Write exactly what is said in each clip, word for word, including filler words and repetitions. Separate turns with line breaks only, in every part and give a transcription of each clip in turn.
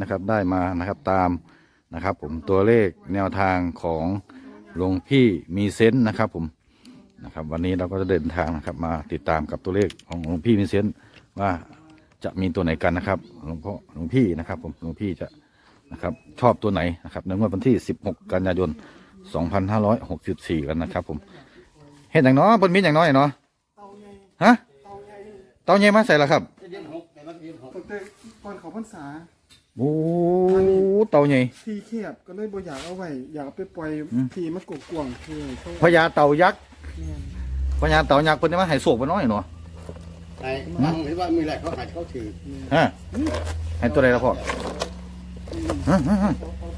นะครับได้มานะครับตามนะครับผมตัวเลขแนวทางของหลวงพี่มีเซนต์นะครับผมนะครับวันนี้เราก็จะเดินทางนะครับมาติดตามกับตัวเลขของหลวงพี่มีเซนต์ว่าจะมีตัวไหนกันนะครับหลวงพ่อหลวงพี่นะครับผมหลวงพี่จะนะครับชอบตัวไหนนะครับในวันที่สิบหกกันยายนสองพันห้าร้อยหกสิบสี่กันนะครับผมเห็นอย่างน้อยบนมีอย่างน้อยเนาะฮะเตาใหญ่มาใส่ละครับ
ตั้งแต่ก่อนเขาพรรษา
โอ้เตาใหญ่
ทีเขียบก็เลยบ่อยากเอาไว้อยากเอาไปปล่อยทีมันกกวางคือ
พญาเต่ายักษ์พญาเต่ายักษ์เป็นมาให้โศกไปน้อยเนาะ
ไอ้ฟังหรือว่ามีอะไรเขาหายเขาถือ
ฮะให้ตัวใดละพ่อฮะฮะ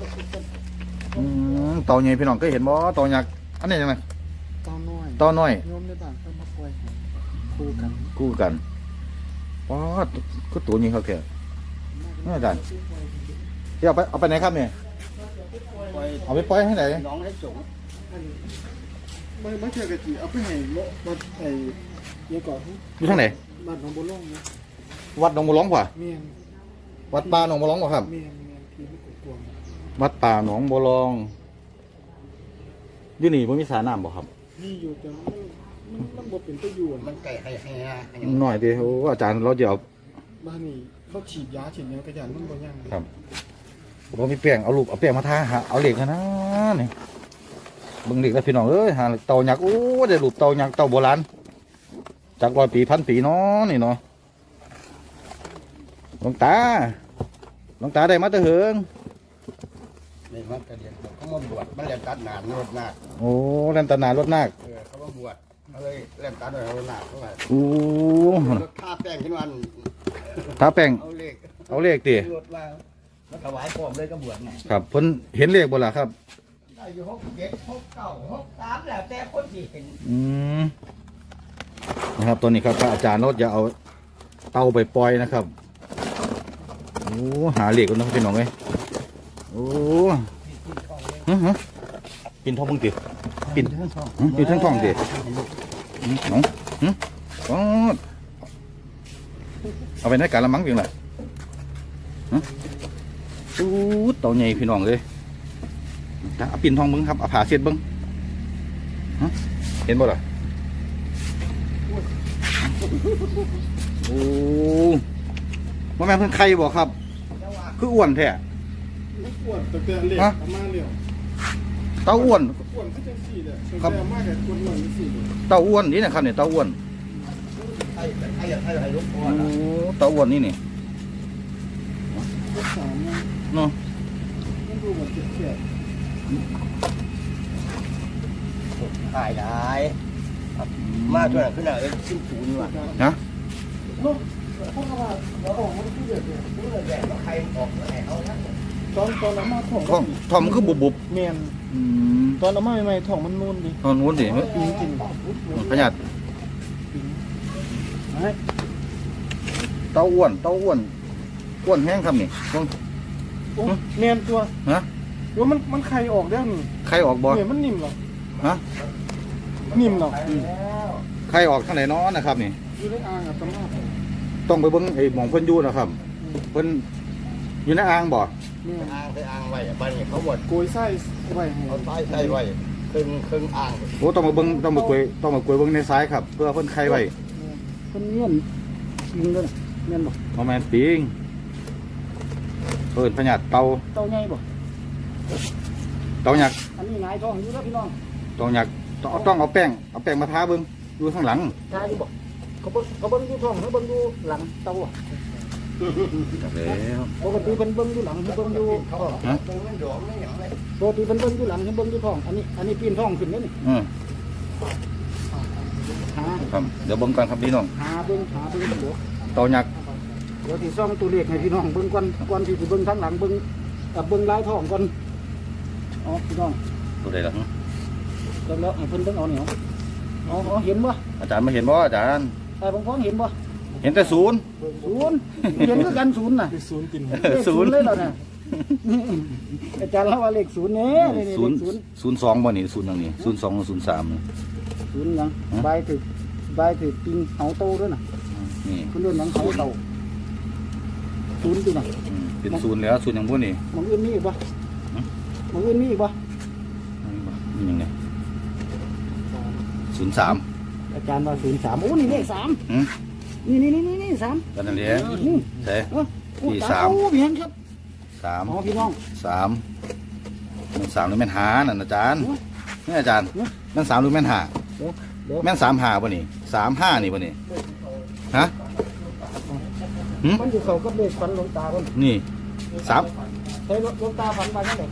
เต่าใหญ่พี่น้องเคยเห็นบ่เต่ายักษ์อันนี้ยังไง
เต่าน้อย
เต่าน้อย
โยมในบ้านเขามาปล่อยคู่กัน
คู่กันว้าก็ตัวนี้เขาแค่นี่อาจารย์ที่เอาไปเอาไปไหนครับเนี่ยเอาไปปล่อยให้ไหน
น้องให้สูง
ไม่ไม่เชื่อกะจีเอาไปให้วัดไอ้ยังก่อน
อยู่ทางไหน
บ้านหนองบัวล่องนะ
วัดหนองบัวร้องกว่า
เมียน
วัดป่าหนองบัวร้องกว่าครับ
เมียนเมียนทีมันกกวาง
วัดป่าหนองบัวร้องอยู่นี่มันมีสระน้ำบ่ครับ
นี่อยู่แต่มันมันบ่เป็นตัวอยู่
มันไก่ให้ให้
หน่อยดิโอ้อาจารย์เราจะเอา
บ้านนี้เขาฉีดยาฉีดยากระยานมันบ่ยัง
ครับผมมีแป้งเอาลูกเอาแป้งมาทาหาเอาเหล็กนะนี่บึงเหล็กแล้วพี่น้องเอ้ยหาเต่ายักษ์โอ้ได้ลูกเต่ายักษ์เต่าโบราณจากร้อยปีพันปีเนาะนี่เนาะหลวงตาหลวงตาได้มาตะเหิง
นี่มันกระเดียนเขามาบวชมันเรียนตัดนานรถนาค
โอ้เล่นตนานรถนาค
เออเขามาบวชเขาเลยเล่นตัดรถนาคเข้าไป
โอ้
ท่าแป้งขึ้นวัน
ท้าแป้ง
เอาเลข
เอาเลขตี
รถมามาถวายพร้อมเลยก็บวชไง
ครับเพิ่นเห็นเลขบ่ล่ะครับ
ได้อยู่หกเจ็ดหกเก้าหกสามแล้วแต่คนที่เห็น
อืมนะครับตัวนี้ครับพระอาจารย์เราจะเอาเตาไปปล่อยนะครับโอ้หาเหล็กกันนะพี่น้องเอ้ยโอ้ฮะฮะปินทองมึงติปินปินทั้งทองติน้องฮึอ๋อเอาไปในการละมั้งเพียงไรฮะตู้เต่าใหญ่พี่น้องเลยเอาปินทองมึงครับเอาผ่าเสียดมึงฮะเห็นบ่ล่ะโอ้ว่าแม่เพิ่งใครบอกครับคืออ้วนแท้
อ้วนตั้งแต่เล็กประมาณเดียว
เต้าอ้วน
อ้วนก็จะสี่เลยครับมากแต่คนอ้วนก็สี่เลย
เต้าอ้วนนี่นะครับเนี่ยเต้าอ้วน
ไอ้ไอ้ไอ้ไอ้ลูกพ่อ
โอ้เต้าอ้วนนี่นี่เนาะ
มันดูเหมือนจะเขียด
ตายได้มาตัวไหนขึ้นหน่อยขึ้นศูนย์ว่ะ
นะ
พวกเราเราออกมาที่เดือดเนี่ย
เลือดแดงแล้วใครออกแล้วเอานะ
ตอนตอนเรามาถ่อง
ท้องท้องมันคือบุบบุบ
เมียนตอนเรามาใหม่ๆถ่องมันนูนดิ
ท้องนูนดิ
ปีนกิน
พญาเต้าอ้วนเต้าอ้วนอ้วนแห้งครับนี่
เมียนตัว
ฮะ
ว่ามันมันไข่ออกได้หนึ่ง
ไข่ออกบ่
เนี่ยมันนิ่มหรอ
ฮะ
นิ่มหรอ
ไข่ออกทางไหนน้อนะครับนี่
อยู่ในอ่างอ่ะตำรา
ต้องไปเบิ้งไอ้หมองเพิ่นอยู่นะครับเพิ่นอยู่ในอ่างบ่
อ่างไปอ่างไว้บ้านนี้เขาบด
โกยไส้ไว้
เอาไส้ไส้ไว้ครึ่งครึ่งอ่าง
โอ้ต้องมาเบิ้งต้องมาโกยต้องมาโกยเบิ้งในซ้ายครับเพื่อเพิ่นไข่ไว้
เพิ่นเงี้ยนปิงด้วยเงี้ยนบ่
บ่แม่นปิงเพิ่นพญาเต่า
เต่าใหญ่บ่
เต่ายักษ์
อันนี้หงายท้องอยู่แล้วพี่น้อง
เต่ายักษ์ต้องเอาแป้งเอาแป้งมาทาเบิ้งอยู่ข้างหลัง
ทาอยู่บ่เขาเบิ่งเขาเบิ่งอยู่ท้องเขาเบิ่งอยู่หลังเต่าอ่ะ
แล้ว
ปกติเป็นเบิ่งอยู่หลังเบิ่งอยู่ท้องฮะปกติเป็นเบิ่งอยู่หลังเบิ่งอยู่ท้องอันนี้อันนี้ปีนท้องขึ้นแล้วนี่
อืม
หา
ครับเดี๋ยวเบิ่งกันครับพี่น้อง
หาเบิ่งหาเบิ่งเดี๋ยว
เต่ายักษ์
เดี๋ยวที่ซ่องตัวเลขให้พี่น้องเบิ่งก่อนก่อนที่สิเบิ่งทางหลังเบิ่งกับเบิ่งลายท้องก่อนอ๋อพี่น้อง
ตัวใดล่ะ
แล้วแล้วให้เพิ่นเบิ่งเอาเนี่ยอ๋อเห็นบ่
อาจารย์มาเห็นบ่อาจารย์
แต่บางคนเห็นบ่
เห็นแต่ศูนย์
ศูนย์เห็นคือกันศูนย์น่ะศูนย์กินศูนย์เลยเหรอเนี่ยอาจารย์เล่าว่าเลขศูนย์เนี่ย
ศูนย์ศูนย์สองบ่นี่ศูนย์อย่างนี้ศูนย์สองศูนย์สาม
ศูนย์ยังใบถือใบถือปิงเหาโตด้วยน่ะนี่คุณเรื่องหนังเหาโตศูนย์จริงน่ะ
เป็นเป็นศูนย์แล้วศูนย์อย่างพวกนี้
หมองอื่นมีอีกบ่หมองอื่นมีอีกบ่
นี่ยังไงศูนย์สาม
อาจารย์ว่าศูนย์สามโอ้นี่เลขสาม
อืม
นี่นี่นี่นี่สาม
กันนั่นแหละ
นี่
ใช่
เออโอ้
ที่
ต
สาม
โอ้เพียงครับ
สาม
อ๋อพี่น้อง
สามมันสามหรือแม่นหานั่นอาจารย์
เนอะ
นี่อาจารย์แม่นสามหรือแม่นหา
เดี๋ยวเดี๋ยว
แม่นสามหาป่ะนี่สามห้านี่ป่ะนี่ฮะหืม
มันอยู่เขากับเลขฝันหลวงตาคน
นี่สาม
ใช้หลวงตาฝันไปยังไง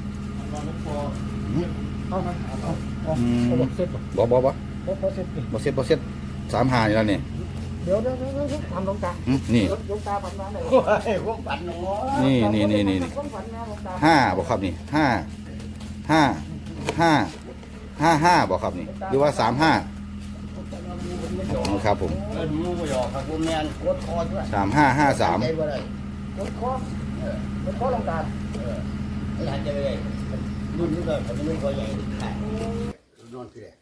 เอามาเอาเอาเอาบอกเสร็จบ่
บ่บ่บ่
เอาเอาเสร็จดิ
บ่เซ็ตบ่เซ็ตสามหานี่แล้วนี่
เดี๋ยวเดี๋ยวเดี๋ยวเดี๋ยวทำหลวงตา
หืมนี่
หลวงตาฝันมาไหน
โอ้ยพวกปันเนาะ
นี่นี่นี่นี่
ความฝันนะหลวงตา
ห้าบอกครับนี่ห้าห้าห้าห้าห้าบอกครับนี่หรือว่าสามห้าครับผม
เออมูบ่หยอกครับผมแม่นโคตรคอด้วย
สามห้าห้าสาม
ใจบ่ได้
รถคอรถคอหลวงตา
เออไม่หันใจบ่ได้รุ่นนี้ก็มันไม่ค่อยใหญ่ค่ะนอนคือแหละ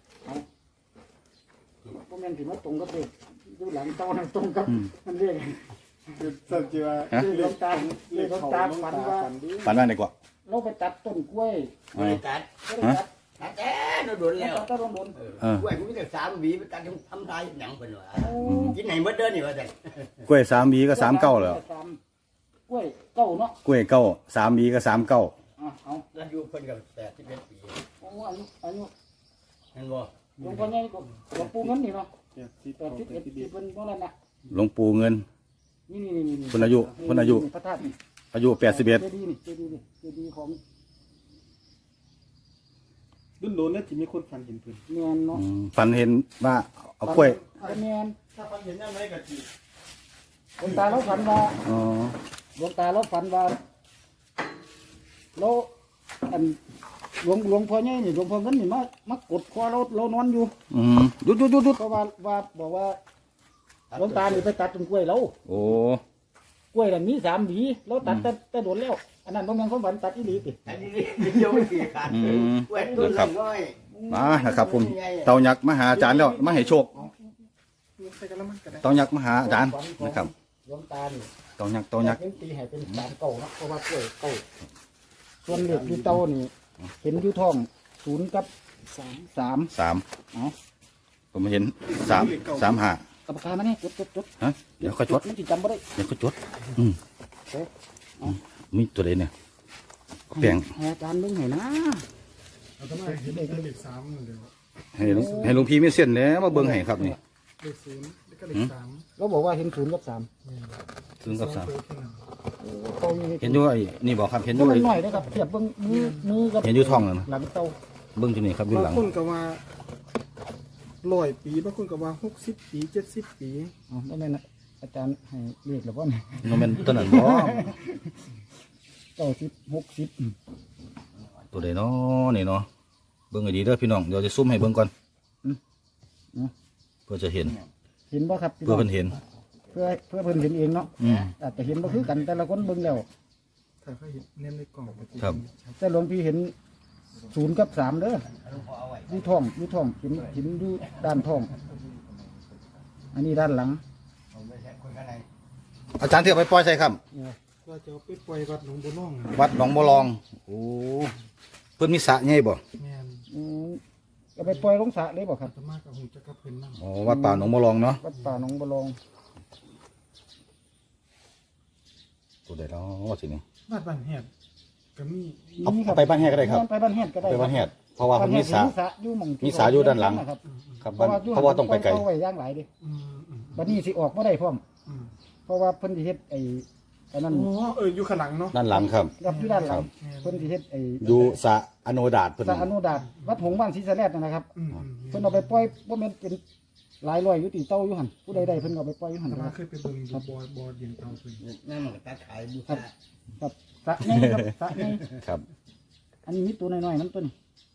พวกแม่นถือว่าตรงกับเลขดูหลังเต้านั่นตรงกับมันเรียก
สัจจิว่า
ฮะ
เลขหลวงตาเลขหลวงตาฝันว่า
ฝันว่าไหนกว่า
เราไปตัดต้นกล้วย
ไม่ได้ตัด
ก็ได้ตัด
ตัดแต่โดนแล้ว
ตัดต้นโดน
เออกล้วยกูมีแต่สามหวีไปตัดทำลายหนังเพิ่นว่า
โอ้
กินไหนเบิดเด้อนี่ว่าจัง
กล้วยสามบีก็สามเก้าแล้ว
สามกล้วยเก้าเนาะ
กล้วยเก้าสามบีก็สามเก้า
อ่ะเอา
แล้วอยู่เพิ่นก็แปดสิบเอ็ดปี
เอาอายุอายุ
เห็นบ่
หลวงพ่อใหญ่ก็หลวงปู่เงินนี่เนาะ
เจ็ดสิบ
แปดสิบเอ็ดสิบเป็นเท่านั้นนะ
หลวงปู่เงิน
นี่นี่นี่นี่
คนอายุคนอายุ
พระธาตุนี่
อายุแปดสิบเอ็ด
เจดีย์นี่เจดีย์นี่เจดีย์ของ
รุ่นโดนแล้วจะมีคนฝันเห็นเพิ่น
แมนเนาะ
ฝันเห็นว่าเอากล้วย
แมน
ถ้าฝันเห็นยังไงก็จี
หลวงตาเราฝันว่า
อ๋อ
หลวงตาเราฝันว่าเราอันหลวงหลวงพ่อใหญ่นี่หลวงพ่อเงินนี่มามากดคอเราเรานอนอยู่
อืมหยุดหยุดหยุดหยุด
เพราะว่าว่าบอกว่าหลวงตานี่ไปตัดต้นกล้วยเรา
โอ้
กล้วยนั่นมีสามหวีเราตัดแต่แต่โดนแล้ว อันนั้นบ่แม่นความฝันตัดอีหลีติ
อันนี้เดียวไม่กี่ขาด
อืม
กล้วยต้นละร้อย
มานะครับผมเตายักษ์มาหาอาจารย์แล้วมาให้โชค
ใส่กระมังก็ได้
เตายักษ์มาหาอาจารย์นะครับ
หลวงตานี่
เตายักษ์เตายักษ์
เห็นตีให้เป็นสามเก่าเนาะเพราะว่ากล้วยเก่าส่วนเหล็กอยู่เตานี่เห็นอยู่ท้องศูนย์กับสามสาม
สาม
เอ๋อ
ผมเห็นสามสามห้า
กับปากกามาเนี่ยจดจดจด
ฮะเดี๋ยวเขาจด
มันสิจำบ่ได้
เดี๋ยวเขาจดอืม
เอ๊ะเอา
มีตัวใดเนี่ยแปลง
ให้อาจารย์เบิ่งให้นะ
เอาทำไมเห็นเลขสามเดี๋ยว
ให้หลวงให้หลวงพี่ไม่เส้นแล้วมาเบิ่งให้ครับนี่
เลขศูนย์แล้วก็เลขสาม
เราบอกว่าเห็นศูนย์กับสาม
ถึงกับสาม
ตัวแค่นั้น
เตานี่
เห็นด้วยนี่บอกครับเห็น
ตั
ด้
ว
วย
หน่อยๆนะครับเทียบเบิ่งมือมือกับ
เห็นอยู่ท้องแล้วนะ
หลังเตา
เบิ่งที่นี่ครับอยู่ห
บา
ลั
ง
ง
คนก็ว่าร้อยปีบางคนก็ว่าหกสิบปีเจ็ดสิบปี
อ๋อได้ไหมนะอาจารย์ให้เรียกแล้วบ่เนี่ย
โนเมนตัวนั้นบ่
เก้าสิบหกสิบ
ตัวใดเนาะนี่เนาะเบิ่งให้ดีเด้อพี่น้องเดี๋ยวจะซุ่มให้เบิ่งก่อนเพื่อจะเห็น
เห็นบ่ครับพี่
เพื่อ
น้อง
เพิ่นเห็น
เพื่อเพื่อเพิ่นเห็นเองเนาะ
อืม
อาจจะเห็นบ่คือกันแต่ละคนเบิ่งแล้ว
ถ้าเขาเห็นเน้นในกล่องก็จะ
ครับ
แต่หลวงพี่เห็นศูนย์กับสามเด้ออยู่ท้องอยู่ท้องเห็นเห็นอยู่ด้านท้อง อันนี้ด้านหลัง
อาจารย์เทียบไปปล่อยใส่ครับ
ว่าจะเอาไปปล่อยวัดหลวงบัวน้อง
วัดหนองบัวลองโอ้เพิ่นมีสระใหญ่บ่
แม่น
อืมจะไปปล่อยลงสระเลยบ่ครับ
อาตมากับหูจะกับเพิ่นนั่ง
อ๋อวัดป่าหนองบัวลองเนาะ
วัดป่าหนองบัวลอง
ตัวใดเนาะสินี่
วัดบ้านแหบก็มี
เอาเอาไปบ้านแฮดก็ได้ครับ
ไปบ้านแฮดก็ได้
ไปบ้านแฮดเพราะว่าเพิ่นมีสระ
บ้านแฮดอยู่หม่องที่
มีสระอยู่ด้านหลัง
ครับ
ครับ
เพ
บ้าน
ราะว่าอยู่
เพราะว่าต้องไปไกล
เอาไว้ย่างหลายเดิ
อืมอืม
บัดนี้สิออกบ่ได้พร้อม
อืม
เพราะว่าเพิ่นสิเฮ็ดไอ้อันนั้น
อ๋อเอออยู่ข้างหลังเนาะ
ด้านหลังครับ
กับอยู่ด้านหลัง
ครับ
เพิ่นสิเฮ็ดไอ้
อยู่สระอโนดาตเพิ่น
สระอนุดาตวัดหงส์บ้านศรีสะแลดนั่นนะครับ
อืมอืม
เพิ่นเอาไปปล่อยบ่แม่นเป็นหลายร้อยอยู่ตีเต้าอยู่หั่นผู้ใดได้เพิ่นก็เอาไปปล่อยอยู่หั่น
อาต
นะ
มา
ครับ
เคยไปเบิ่งอยู่บ่อบ่อเดียนเตาเพิ่น
นั่นมันก็ตัดขายบูชา
ครับสระนี่ครับสระนี่
ครับ
อันนี้มีตัวน้อยๆน้ำต้น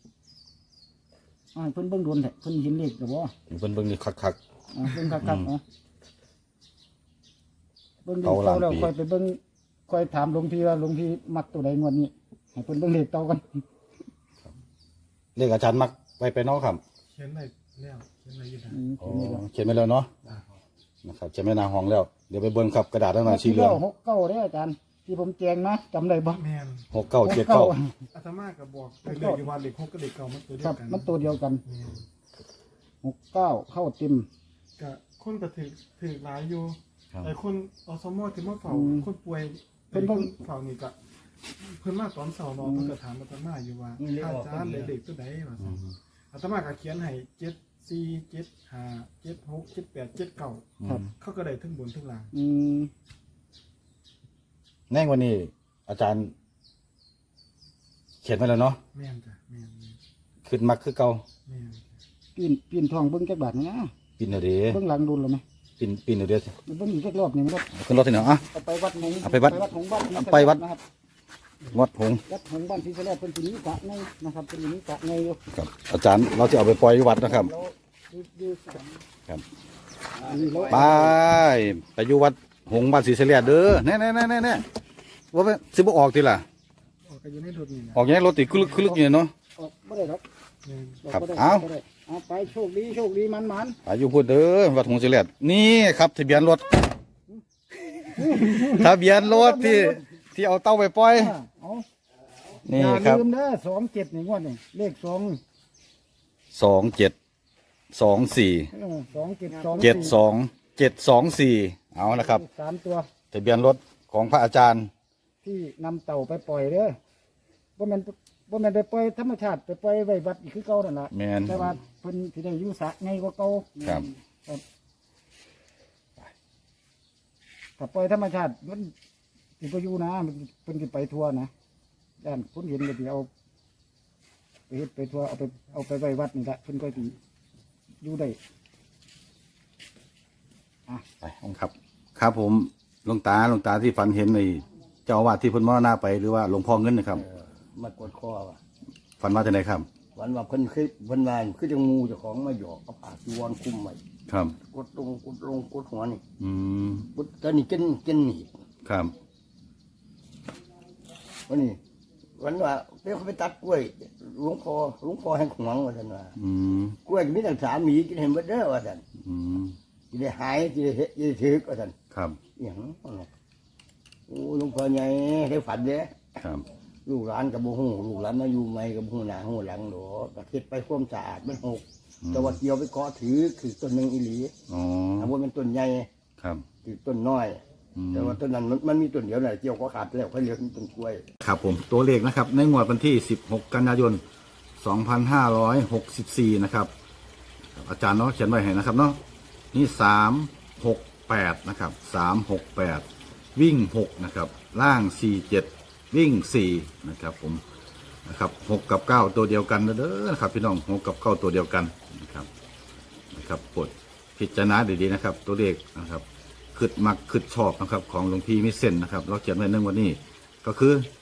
อ่าให้เพิ่นเบิ่งโดนแท้เพิ่นเห็นเลขหรือบ่
เพิ่นเบิ่งนี่คัก
อ่าเบิ่งคักๆเนาะเบิ่งเลข
เอาหลั
เต้าง แล้ว
ปี
ค่อยไปเบิ่งค่อยถามหลวงพี่ว่าหลวงพี่มักตัวใดงวดนี้ให้เพิ่นเบิ่งเลขเต้ากัน
ๆเลขอาจารย์มักไว้ไปเนาะครับ
เขียนได้แล้วเขียนได้อยู่นะ
อืม
อ๋อ
เขียนไว้แล้ว
เขียนไว้แล้วเนาะนะครับเขียนไว้หน้าห้องแล้วเดี๋ยวไปเบิ่งครับกระดาษแล้วหน่อยสีเหลือง
หกเก้าเด้ออาจารย์ที่ผมแจงนะจำได้บ่
แม่น
หกเก้าเจ็ดเก้า
อาตมาก็บอกเลขเลขอยู่ว่าเลขหกกับเลขเก้ามันตัวเดี
ค
ย
รั
ว
บ
กัน
มันตัวเดียวกัน
แม่น
หกเก้าเข้าเต็ม
ก็คนก็ถือถือหลายอยู่
ครับ
แต่คนอสมที่มาเฝ้า
อืม
คนป่วย
เพิ่น
ค
เพิ่ง
นเฝ้านี่ก็เพิ่นมาตอนเช้าเนาะเพิ่นก็ถามอาตมาอยู่ว่าอาจารย์เลขตัวใดว่าซั่นอาตมาก็เขียนให้เจ็ดสี่เจ็ดห้าเจ็ดหกเจ็ดแปดเจ็ดเก้า
ครับ
เขาก็ได้ทั้งบนทั้งล่าง
อืม
แน่วันนี้ อาจารย์ เขียนไว้แล้วเนาะ
แม่นจ้ะแม่นแม่น
ขึ้นมักคือเก่า
แม่น
ปีนปีนทองเบิ้งจักบาทนะ
ปินเดี๋ยวดี
เบิ้งหลังดุลเลยไหม
ปินปินเดี๋ยวดี
เบิ้งอีกสักรอบหนึ่งครับ
ขึ้นรถที่ไหนอ่ะ
เอาไปวัดหงส์
เอาไปวัด
หงส์บ้าน
เอาไปวัด
นะครับ
วัดหงส์
วัดหงส์บ้านที่แรกเป็นที่นี้กะไงนะครับเป็นที่นี้กะไงอยู่
ครับ อาจารย์เราจะเอาไปปล่อยวัดนะครับ
แล้วดูดูสาม
ครับ
อันนี้เรา
ไปไปอยู่วัดหงส์บ้านศรีเสลียดเด้อแน่แน่แน่แน่แน่ว่าไปสิบออกทีล่ะ
ออกก็อยู่ในรถนี่นะ
ออกอย่างนี้รถติดคลึกคลึกอยู่เนาะ
ออกไม่ได้หรอก
แม่น
ออก
ครับ
บ่ได้
เอา
บ่ได้เอาไปโชคดีโชคดีมันมัน
อายุพูดเด้อวัดหงส์ศรีเสลียดนี่ครับทะเบียนรถ ทะเบียนรถที่ที่เอาเต้าไปปล่อย
อ่าเอา
นี่
อย่า
ครับ
ลืมเด้อสองเจ็ดนี่งวดนี่เลขสอง
สองเจ็ดสองสี่
เออสองเจ็ดสอง
เจ็ดสองเจ็ดสองสี่เอาละครับ
สามตัว
ทะเบียนรถของพระอาจารย์
ที่นำเต่าไปปล่อยเด้อบ่แม่นบ่แม่นไปปล่อยธรรมชาติไปปล่อยไว้วัดอีกคือเก่านั่นล่ะ
แม่น
แต่ว่าเพิ่นสิได้อยู่สระไงกว่าเก่า
ครับ
ครับถ้าปล่อยธรรมชาติมันสิบ่อยู่นะมันเพิ่นสิไปทั่วนะด้านคนเห็นก็สิเอาไปเฮ็ดไปทั่วเอาไปเอาไปไว้วัดนี่ละเพิ่นก็สิอยู่ได้
ไปองค์ครับ ครับผมหลวงตาหลวงตาที่ฝันเห็นในเจ้าอาวาสที่เพ้นมรณาไปหรือว่าหลวงพ่อเงินนะครับ
เออมากดคอว่ะ
ฝันว่าจะไหนครับ
วันว่าเพิ่นคือเพิ่นมาคือจังงูเจ้าของมาหยอกเอาผ้าจีวรคลุมไว้
ครับ
กดลงกดลงกดหัวนี่
อืม
กดตอนนี้กินกินหนีบ
ครับ
วันนี้วันว่าเดี๋ยวเขาไปตัดกล้วยหลวงพ่อหลวงพ่อให้ขวางว่าท่านว่า
อืม
กล้วยมีตั้งสามหมีกินเห็นเบิดเด้อว่าท่าน
อืม
กินได้หายกินได้เฮ็ดกินได้ถือว่าท่าน
ครับ
อหย่างนั้นน่ะโอ้หลวงพ่อใหญ่ได้ฝันเด้
ครับ
ลูกหลานกับบ่ฮู้ลูกหลานมาอยู่ใหม่กับบ่ฮู้หน้าฮู้หลังดอกก็เฮ็ดไปความสะอาดมันหกแต่ว่าเกี่ยวไปเกาะถือคือต้นหนึงอีหลี
อ๋อ
ถ้าว่ามันต้นใหญ่
ครับ
ถือต้นน้อย
อืม
แต่ว่าต้นนั้นมันมันมีต้นเดียวน่ะเกี่ยวก็ขาดแล้วค่อยเหลือต้นกล้วย
ครับผมตัวเลขนะครับ ในงวดวันที่สิบหกกันยายนสองพันห้าร้อยหกสิบสี่นะครับ อาจารย์เนาะเขียนไว้ให้นะครับเนาะนี่สามหกแปดนะครับสามหกแปดวิ่งหกนะครับ ล่างสี่เจ็ดวิ่งสี่นะครับผมนะครับหกกับเก้าตัวเดียวกันเด้อนะครับพี่น้องหกกับเก้าตัวเดียวกันนะครับนะครับกดพิจารณาดีๆนะครับ ตัวเลขนะครับขึ้นมักขึ้นชอบนะครับ ของหลวงพี่มิเซนนะครับ เราเขียนไว้ในวันนี้ก็คือ